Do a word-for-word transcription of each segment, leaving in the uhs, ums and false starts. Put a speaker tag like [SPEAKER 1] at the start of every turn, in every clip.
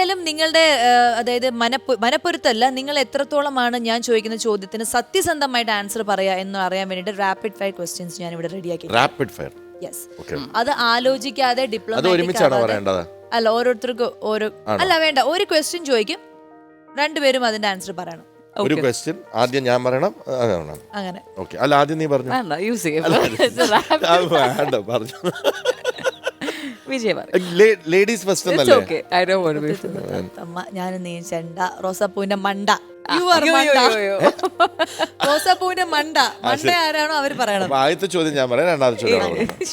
[SPEAKER 1] എന്തായാലും നിങ്ങളുടെ അതായത് മനപ്പു മനപ്പൊരുത്തല്ല, നിങ്ങൾ എത്രത്തോളമാണ് ഞാൻ ചോദിക്കുന്ന ചോദ്യത്തിന് സത്യസന്ധമായിട്ട് ആൻസർ പറയാ എന്ന് അറിയാൻ വേണ്ടിട്ട് റാപ്പിഡ് ഫയർ ക്വസ്റ്റ്യൻസ് ഞാൻ ഇവിടെ റെഡിയാക്കി.
[SPEAKER 2] Rapid fire.
[SPEAKER 1] യെസ്. അത് ആലോചിക്കാതെ ഡിപ്ലോമാറ്റിക് അല്ല, ഓരോരുത്തർക്ക് ഓരോ അല്ല വേണ്ട, ഒരു ക്വസ്റ്റ്യൻ ചോദിക്കും, രണ്ടുപേരും അതിന്റെ ആൻസർ പറയണം.
[SPEAKER 2] ഒരു ക്വസ്റ്റ്യൻ ആദ്യം ഞാൻ പറയണം, അങ്ങനെ. ഓക്കേ. അല്ല ആദ്യം നീ പറഞ്ഞു.
[SPEAKER 3] വേണ്ട യൂസ് ചെയ്യാം.
[SPEAKER 2] പറഞ്ഞു.
[SPEAKER 3] ലേഡീസ്
[SPEAKER 2] ഫസ്റ്റ്
[SPEAKER 1] ഞാൻ നീ ചെണ്ട റോസാപ്പൂവിന്റെ മണ്ട റോസാപ്പൂവിന്റെ മണ്ട മണ്ട ആരാണോ അവര് പറയണം.
[SPEAKER 2] ആദ്യത്തെ ചോദ്യം ഞാൻ പറയാം, രണ്ടാമത്തെ ചോദ്യം.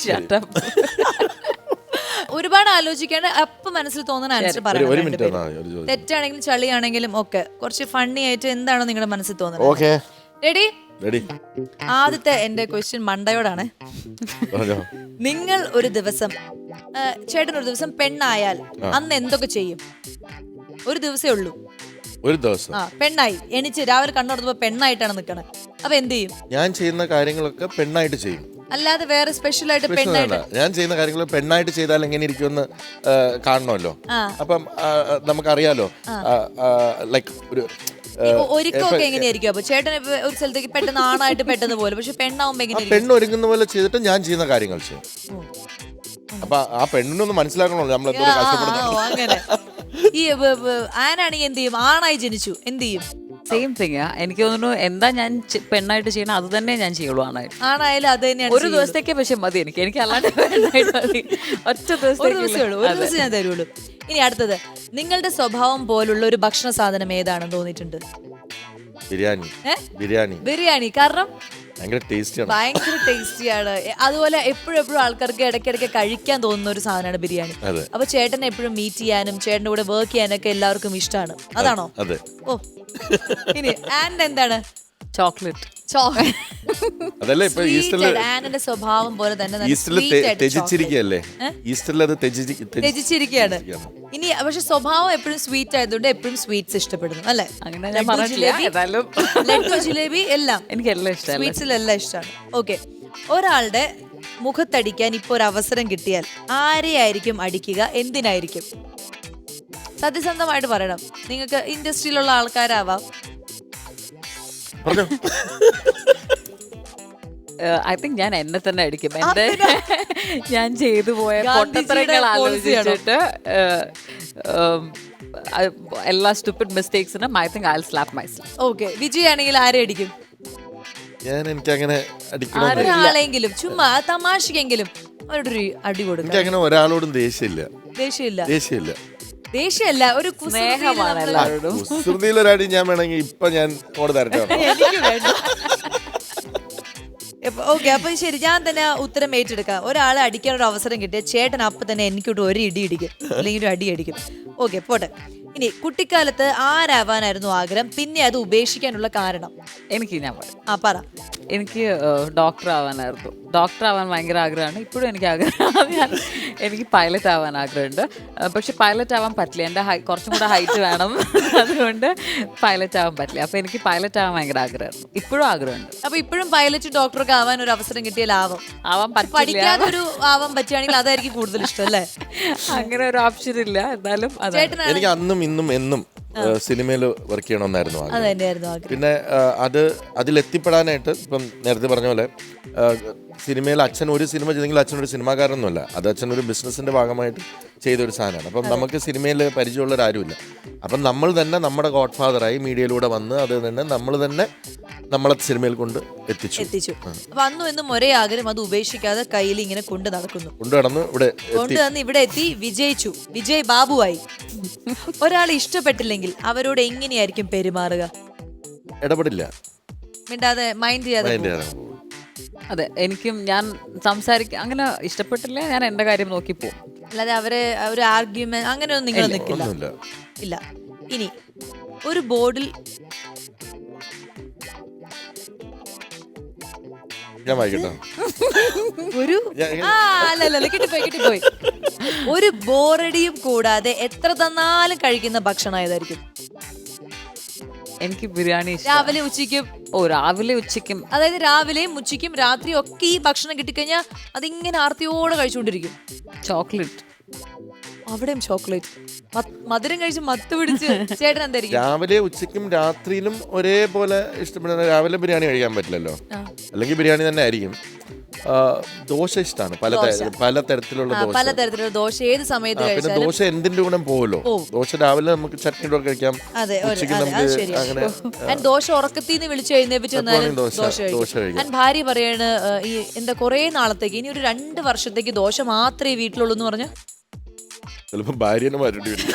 [SPEAKER 1] ഒരുപാട് ആലോചിക്കാണ്ട് അപ്പൊ മനസ്സിൽ തോന്നുന്ന ആൻസർ പറയണം. തെറ്റാണെങ്കിലും ചളിയാണെങ്കിലും ഒക്കെ കുറച്ച് ഫണ്ണി ആയിട്ട് എന്താണോ നിങ്ങളുടെ മനസ്സിൽ തോന്നുന്നത്. റെഡി? ആദ്യത്തെ എന്റെ ക്വസ്റ്റ്യൻ മണ്ടയോടാണ്. നിങ്ങൾ ഒരു ദിവസം ചേട്ടൻ ഒരു ദിവസം പെണ്ണായാൽ അന്ന് എന്തൊക്കെ ചെയ്യും? ഒരു ദിവസേ ഉള്ളൂ.
[SPEAKER 2] ഒരു ദിവസം
[SPEAKER 1] ആ പെണ്ണായി എണിച്ച് രാവിലെ കണ്ണുറന്നപ്പോ പെണ്ണായിട്ടാണ് നിക്കണത്. അപ്പൊ എന്ത് ചെയ്യും?
[SPEAKER 2] ഞാൻ ചെയ്യുന്ന കാര്യങ്ങളൊക്കെ പെണ്ണായിട്ട് ചെയ്യും.
[SPEAKER 1] അല്ലാതെ വേറെ സ്പെഷ്യൽ ആയിട്ട് പെണ്ണായിട്ട്
[SPEAKER 2] ഞാൻ ചെയ്യുന്ന കാര്യങ്ങൾ പെണ്ണായിട്ട് ചെയ്താൽ എങ്ങനെ ഇരിക്കുമെന്ന് കാണണമല്ലോ. അപ്പം നമുക്കറിയാലോ, ലൈക്ക് ഒരു
[SPEAKER 1] ഒരുക്കമൊക്കെ എങ്ങനെയായിരിക്കും? അപ്പൊ ചേട്ടൻ ഒരു സ്ഥലത്തേക്ക് പെട്ടെന്ന് ആണായിട്ട് പെട്ടെന്ന് പോലെ, പക്ഷെ പെണ്ണാവുമ്പോ എങ്ങനെ?
[SPEAKER 2] പെണ്ണ് ഒരുങ്ങുന്ന പോലെ ചെയ്തിട്ട് ഞാൻ ചെയ്യുന്ന കാര്യങ്ങൾ ചെയ്യും. അപ്പൊ ആ പെണ്ണിനൊന്ന് മനസ്സിലാക്കണല്ലോ നമ്മൾ എന്തോ കഷ്ടപ്പെടുന്നു.
[SPEAKER 1] അങ്ങനെ ഈ ആനാണെങ്കിൽ എന്ത് ചെയ്യും? ആണായി ജനിച്ചു എന്ത് ചെയ്യും?
[SPEAKER 3] Same thing. എനിക്ക് തോന്നുന്നു എന്താ ഞാൻ പെണ്ണായിട്ട് ചെയ്യണം അത് തന്നെ ഞാൻ ചെയ്യുള്ളൂ. ആണായിട്ട്
[SPEAKER 1] ആണായാലും അത് തന്നെയാണ്.
[SPEAKER 3] ഒരു ദിവസത്തേക്ക് പക്ഷെ മതി എനിക്ക്. എനിക്ക് അല്ലാണ്ട് പെണ്ണായിട്ട് മതി. ഒറ്റ ദിവസം
[SPEAKER 1] ഒരു ദിവസമേ ഉള്ളൂ, ഒരു ദിവസം ഞാൻ തരുള്ളൂ. ഇനി അടുത്തത്, നിങ്ങളുടെ സ്വഭാവം പോലുള്ള ഒരു ഭക്ഷണ സാധനം ഏതാണെന്ന് തോന്നിയിട്ടുണ്ട്?
[SPEAKER 2] ബിരിയാണി. ബിരിയാണി
[SPEAKER 1] ബിരിയാണി കാരണം
[SPEAKER 2] ഭയങ്കര ടേസ്റ്റിയാണ്.
[SPEAKER 1] ഭയങ്കര ടേസ്റ്റിയാണ്. അതുപോലെ എപ്പോഴും എപ്പോഴും ആൾക്കാർക്ക് ഇടയ്ക്കിടയ്ക്ക് കഴിക്കാൻ തോന്നുന്ന ഒരു സാധനമാണ് ബിരിയാണി. അപ്പൊ ചേട്ടനെ എപ്പോഴും മീറ്റ് ചെയ്യാനും ചേട്ടന്റെ കൂടെ വർക്ക് ചെയ്യാനൊക്കെ എല്ലാവർക്കും ഇഷ്ടമാണ്. അതാണോ? ഓ ഇനി ആൻഡ് എന്താണ്?
[SPEAKER 3] ചോക്ലേറ്റ്.
[SPEAKER 1] ആനിന്റെ സ്വഭാവം പോലെ തന്നെ ത്യജിച്ചിരിക്കുകയാണ്. ഇനി പക്ഷെ സ്വഭാവം എപ്പോഴും സ്വീറ്റ് ആയതുകൊണ്ട് എപ്പോഴും സ്വീറ്റ്സ് ഇഷ്ടപ്പെടുന്നു അല്ലെ?
[SPEAKER 3] അങ്ങനെ ഞാൻ പറഞ്ഞില്ല.
[SPEAKER 1] ലഡ്ഡു ജിലേബി എല്ലാം
[SPEAKER 3] എനിക്ക് എല്ലാം ഇഷ്ടമാണ്.
[SPEAKER 1] സ്വീറ്റ്സിലെല്ലാം ഇഷ്ടമാണ്. ഓക്കെ. ഒരാളുടെ മുഖത്തടിക്കാൻ ഇപ്പൊ ഒരു അവസരം കിട്ടിയാൽ ആരെയായിരിക്കും അടിക്കുക? എന്തിനായിരിക്കും? സത്യസന്ധമായിട്ട് പറയണം. നിങ്ങൾക്ക് ഇൻഡസ്ട്രിയിലുള്ള ആൾക്കാരാവാം.
[SPEAKER 3] ഐ തിങ്ക് ഞാൻ എന്നെ തന്നെ അടിക്കും. എന്റെ ഞാൻ ചെയ്തു പോയ പൊട്ടത്തരങ്ങൾ ആലോചിച്ചിട്ട് എല്ലാ സ്റ്റുപ്പിഡ് മിസ്റ്റേക്സിനും I think I will slap myself.
[SPEAKER 1] Okay. Vijay ആണെങ്കിൽ ആരെ അടിക്കും?
[SPEAKER 2] ഞാൻ എനിക്ക് അങ്ങനെ
[SPEAKER 1] ഒരാളെങ്കിലും ചുമ്മാ തമാശക്കെങ്കിലും അവരോടൊരു അടി കൊടുക്കും.
[SPEAKER 2] എനിക്ക് അങ്ങനെ ഒരാളോടും ദേഷ്യമില്ല.
[SPEAKER 1] ദേഷ്യമില്ല
[SPEAKER 2] ദേഷ്യമില്ല
[SPEAKER 1] ദേഷ്യമല്ല, ഒരു
[SPEAKER 3] സ്നേഹമാണ് എല്ലാവരോടും.
[SPEAKER 2] കുസൃതിയിലൊരടി ഞാൻ വേണമെങ്കിൽ ഇപ്പൊ ഞാൻ കോട് തരട്ടെ.
[SPEAKER 1] ഓക്കെ. അപ്പൊ ശരി, ഞാൻ തന്നെ ഉത്തരം ഏറ്റെടുക്കാം. ഒരാളെ അടിക്കാൻ ഒരു അവസരം കിട്ടിയ ചേട്ടൻ അപ്പൊ തന്നെ എനിക്കിട്ട് ഒരു ഇടി ഇടിക്കും, അല്ലെങ്കിൽ ഒരു അടി അടിക്കും. ഓക്കെ പോട്ടെ. ഇനി കുട്ടിക്കാലത്ത് ആരാവാനായിരുന്നു ആഗ്രഹം, പിന്നെ അത് ഉപേക്ഷിക്കാനുള്ള കാരണം?
[SPEAKER 3] എനിക്ക് ഞാൻ
[SPEAKER 1] ആ പറ.
[SPEAKER 3] എനിക്ക് ഡോക്ടർ ആവാനായിരുന്നു. ഡോക്ടർ ആവാൻ ഭയങ്കര ആഗ്രഹമാണ്. ഇപ്പോഴും എനിക്ക് ആഗ്രഹം. ഞാൻ എനിക്ക് പൈലറ്റ് ആവാൻ ആഗ്രഹമുണ്ട്. പക്ഷെ പൈലറ്റ് ആവാൻ പറ്റില്ല. എൻ്റെ ഹൈ കുറച്ചും കൂടെ ഹൈറ്റ് വേണം. അതുകൊണ്ട് പൈലറ്റ് ആവാൻ പറ്റില്ല. അപ്പൊ എനിക്ക് പൈലറ്റ് ആവാൻ ഭയങ്കര ആഗ്രഹമായിരുന്നു. ഇപ്പോഴും ആഗ്രഹമുണ്ട്.
[SPEAKER 1] അപ്പൊ ഇപ്പോഴും പൈലറ്റ് ഡോക്ടറൊക്കെ ആവാൻ ഒരു അവസരം കിട്ടിയാൽ ആവാം.
[SPEAKER 3] ആവാൻ
[SPEAKER 1] പഠിക്കാതെ ഒരു ആവാൻ പറ്റുകയാണെങ്കിൽ അതായിരിക്കും കൂടുതൽ ഇഷ്ടം അല്ലേ?
[SPEAKER 3] അങ്ങനെ ഒരു ഓപ്ഷൻ ഇല്ല. എന്നാലും
[SPEAKER 2] എനിക്ക് അന്നും ഇന്നും എന്നും സിനിമയിൽ വർക്ക് ചെയ്യണമെന്നായിരുന്നു. പിന്നെ അത് അതിലെത്തിപ്പെടാനായിട്ട് ഇപ്പം നേരത്തെ പറഞ്ഞ പോലെ സിനിമയിൽ അച്ഛൻ ഒരു സിനിമ ചെയ്തെങ്കിൽ അച്ഛൻ ഒരു സിനിമാകാരനൊന്നുമല്ല. അത് അച്ഛൻ ഒരു ബിസിനസിന്റെ ഭാഗമായിട്ട് ചെയ്തൊരു സാധനമാണ്. അപ്പം നമുക്ക് സിനിമയിൽ പരിചയമുള്ളവരാരുമില്ല. അപ്പം നമ്മൾ തന്നെ നമ്മുടെ ഗോഡ് ഫാദറായി മീഡിയയിലൂടെ വന്ന് അത് തന്നെ നമ്മൾ തന്നെ നമ്മളെ സിനിമയിൽ കൊണ്ട് എത്തിച്ചു
[SPEAKER 1] എത്തിച്ചു അപ്പൊ അന്നും എന്നും ഒരേ ആഗ്രഹം, അത് ഉപേക്ഷിക്കാതെ കയ്യിൽ ഇങ്ങനെ കൊണ്ട് നടക്കുന്നു.
[SPEAKER 2] കൊണ്ടുനടന്ന് ഇവിടെ
[SPEAKER 1] കൊണ്ടുവന്ന് ഇവിടെ എത്തി വിജയിച്ചു. വിജയ് ബാബുവായി. ഒരാളെ ഇഷ്ടപ്പെട്ടില്ലെങ്കിൽ അവരോട് എങ്ങനെയായിരിക്കും പെരുമാറുക?
[SPEAKER 2] ഇടപെടില്ല,
[SPEAKER 1] മിണ്ടാതെ മൈൻഡ് ചെയ്യാതെ.
[SPEAKER 3] അതെ, എനിക്കും ഞാൻ സംസാരിക്കും. അങ്ങനെ ഇഷ്ടപ്പെട്ടില്ല ഞാൻ എന്റെ കാര്യം നോക്കി പോകും.
[SPEAKER 1] അല്ലാതെ അവരെ ഒരു ആർഗ്യുമെന്റ് അങ്ങനെയൊന്നും നിങ്ങൾ നിൽക്കില്ല. ഇല്ല. ഇനി ഒരു ബോർഡിൽ ഒരു അല്ലല്ല കിട്ടിപ്പോയി കിട്ടിപ്പോയി ഒരു ബോറടിയും കൂടാതെ എത്ര തന്നാലും കഴിക്കുന്ന ഭക്ഷണം ഏതായിരിക്കും?
[SPEAKER 3] എനിക്ക് ബിരിയാണി.
[SPEAKER 1] രാവിലെ ഉച്ചയ്ക്കും?
[SPEAKER 3] ഓ രാവിലെ ഉച്ചയ്ക്കും.
[SPEAKER 1] അതായത് രാവിലെയും ഉച്ചയ്ക്കും രാത്രിയും ഒക്കെ ഈ ഭക്ഷണം കിട്ടിക്കഴിഞ്ഞാൽ അതിങ്ങനെ ആർത്തിയോടെ കഴിച്ചുകൊണ്ടിരിക്കും.
[SPEAKER 3] ചോക്ലേറ്റ്.
[SPEAKER 1] അവിടെയും ചോക്ലേറ്റ്. മധുരം കഴിച്ച് മത്ത് പിടിച്ച് ചേട്ടൻ എന്തായിരിക്കും?
[SPEAKER 2] രാവിലെ ഉച്ചയ്ക്കും രാത്രിയിലും ഒരേപോലെ ഇഷ്ടപ്പെടുന്ന, രാവിലെ ബിരിയാണി കഴിക്കാൻ പറ്റില്ലല്ലോ, അല്ലെങ്കിൽ ബിരിയാണി തന്നെ ആയിരിക്കും. ആ, ദോശ ഇഷ്ടമാണ്, പല ത- പല തരത്തിലുള്ള ദോശ.
[SPEAKER 1] പലതരത്തിലുള്ള ദോശ ഏത് സമയത്ത്
[SPEAKER 2] പിന്നെ
[SPEAKER 1] കഴിച്ചാലും.
[SPEAKER 2] ദോശ എന്തിന്റെ കൂടെ പോകുമല്ലോ. ദോശ രാവിലെ നമുക്ക് ചട്നിയുടെ കൂടെ കഴിക്കാം,
[SPEAKER 1] അതെ, ഒരു-
[SPEAKER 2] ഉച്ചയ്ക്ക്
[SPEAKER 1] അതെ, അത്
[SPEAKER 2] നമുക്ക്
[SPEAKER 1] ശരിയാ.
[SPEAKER 2] അങ്ങനെ
[SPEAKER 1] And ദോശ ഉറക്കത്തിന്ന് വിളിച്ചു എഴുന്നേപ്പിച്ച് വന്നാലും
[SPEAKER 2] ദോശ
[SPEAKER 1] ദോശ
[SPEAKER 2] ദോശ
[SPEAKER 1] കഴിക്കും.
[SPEAKER 2] കഴിക്കാം.
[SPEAKER 1] And ഭാര്യ പറയാണ് ഏഹ്, ഈ എന്താ കുറേ നാളത്തേക്ക് ഇനി ഒരു രണ്ട് വർഷത്തേക്ക് ദോശ മാത്രമേ വീട്ടിലുള്ളൂ എന്ന് പറഞ്ഞ
[SPEAKER 2] ചിലപ്പോ ഭാര്യനെ മാറ്റേണ്ടി വരും.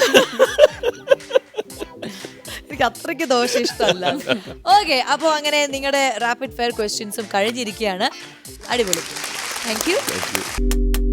[SPEAKER 1] എനിക്ക് അത്രയ്ക്ക് ദോശ ഇഷ്ടമല്ല. ഓക്കെ, അപ്പോൾ അങ്ങനെ നിങ്ങളുടെ റാപ്പിഡ് ഫയർ ക്വസ്റ്റ്യൻസും കഴിഞ്ഞിരിക്കുകയാണ്. അടിപൊളി, താങ്ക് യു.
[SPEAKER 2] Thank you.